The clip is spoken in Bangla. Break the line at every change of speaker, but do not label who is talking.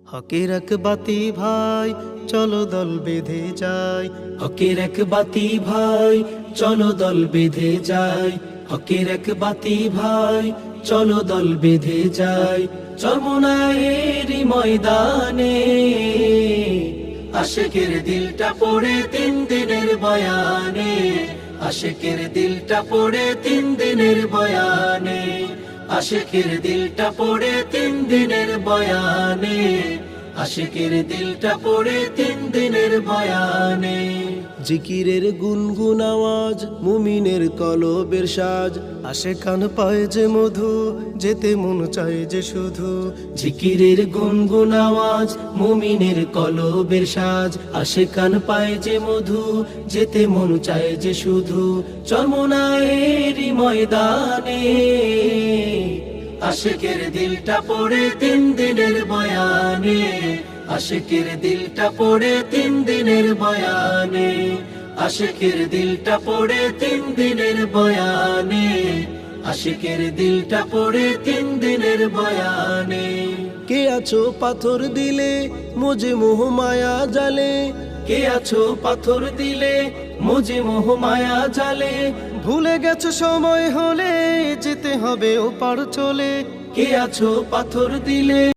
হকের এক বাতি ভাই চলো দল বেঁধে যাই,
হকের এক বাতি ভাই চলো দল বেঁধে যাই, হকের এক বাতি ভাই চলো দল বেঁধে যাই। চরমোনাইয়েরই ময়দানে আশেকের দিলটা পড়ে 3 দিনের বয়ানে, আশেকের দিলটা পড়ে 3 দিনের বয়ানে, আশেকের দিলটা পড়ে 3 দিনের বয়ানে, আশেকের দিলটা পড়ে 3 দিনের বয়ানে।
জিকিরের গুনগুন আওয়াজ মুমিনের কলবের সাজ, আসে কান পায় যে মধু যেতে মন চায় যে শুধু।
জিকিরের গুনগুন আওয়াজ মুমিনের কলবের সাজ, আসে কান পায় যে মধু যেতে মন চায় যে শুধু। চরমোনাইয়েরই ময়দানে আশেকের দিলটা পড়ে 3 দিনের বয়ানে, আশেকের দিলটা পড়ে 3 দিনের বয়ানে, আশেকের দিলটা পড়ে 3 দিনের বয়ানে, আশেকের দিলটা পড়ে 3 দিনের বয়ানে।
কে আছো পাথর দিলে মুজে মোহ মায়া জালে,
কে আছো পাথর দিলে মুজে মোহ মায়া জালে,
ভুলে গেছো সময় হলে যেতে হবে ওপার চলে।
কে আছো পাথর দিলে